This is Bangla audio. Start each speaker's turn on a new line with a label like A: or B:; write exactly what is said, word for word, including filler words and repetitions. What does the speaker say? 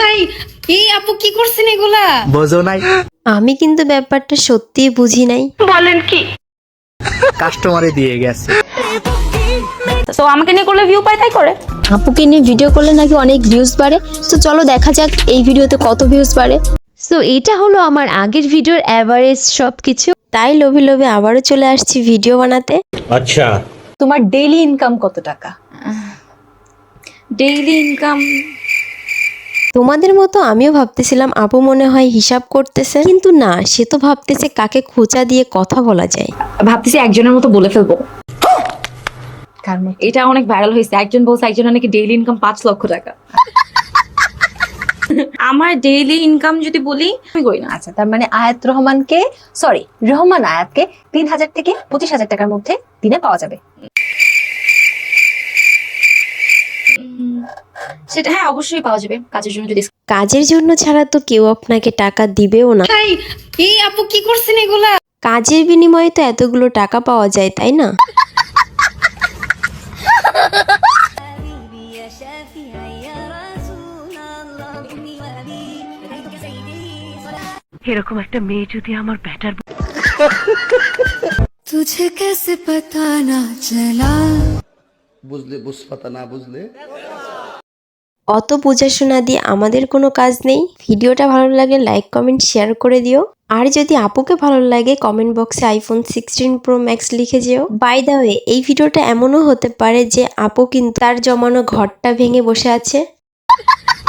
A: ভাই এই আপু কি করছেন এগুলা?
B: বোঝো নাই?
C: আমি কিন্তু ব্যাপারটা সত্যিই বুঝি নাই।
A: বলেন কি?
B: কাস্টমারে দিয়ে গেছে।
A: তো আমাকে নিয়ে করলে ভিউ পায়, তাই করে।
D: আপুকে নিয়ে ভিডিও করলে নাকি অনেক ভিউজ বাড়ে। তো চলো দেখা যাক এই ভিডিওতে কত ভিউজ বাড়ে।
C: সো এটা হলো আমার আগের ভিডিওর অ্যাভারেজ সবকিছু। তাই লোভে লোভে আবারও চলে আসছি ভিডিও বানাতে।
E: আচ্ছা,
F: তোমার ডেইলি ইনকাম কত টাকা?
A: ডেইলি ইনকাম
C: তোমাদের মতো আমিও ভাবতেছিলাম আপু মনে হয় হিসাব করতেছে, কিন্তু না, সে তো ভাবতেছে কাকে খোঁচা দিয়ে কথা বলা যায়।
A: ভাবতেছি একজনের মতো বলে ফেলবো।
F: কার মতো?
A: এটা অনেক ভাইরাল হয়েছে, একজন বলছে একজনের নাকি ডেইলি ইনকাম পাঁচ লক্ষ টাকা। আমার ডেইলি ইনকাম যদি বলি, আমি করি না।
F: আচ্ছা, তার মানে আয়াত রহমানকে সরি রহমান আয়াতকে তিন হাজার থেকে পঁচিশ হাজার টাকার মধ্যে দিনে পাওয়া যাবে।
A: সেটা হ্যাঁ অবশ্যই পাওয়া যাবে, কাজের জন্য যদি।
C: কাজের জন্য ছাড়া তো কেউ আপনাকে টাকা দিবেও না।
A: ভাই এই আপু কি করছেন এগুলা?
C: কাজের বিনিময়ে তো এতগুলো টাকা পাওয়া যায়, তাই না?
G: এরকম একটা মেয়ে যদি আমার ব্যাটার
H: तुझे कैसे पता ना चला
I: বুঝলে বুঝপাতা না বুঝলে।
C: অত বোঝাশোনা দিয়ে আমাদের কোনো কাজ নেই। ভিডিওটা ভালো লাগলে লাইক কমেন্ট শেয়ার করে দিও। আর যদি আপুকে ভালো লাগে কমেন্ট বক্সে আইফোন সিক্সটিন প্রো ম্যাক্স লিখে যেও। বাই দ্য ওয়ে, এই ভিডিওটা এমনও হতে পারে যে আপু কিন্তু তার জমানো ঘরটা ভেঙে বসে আছে।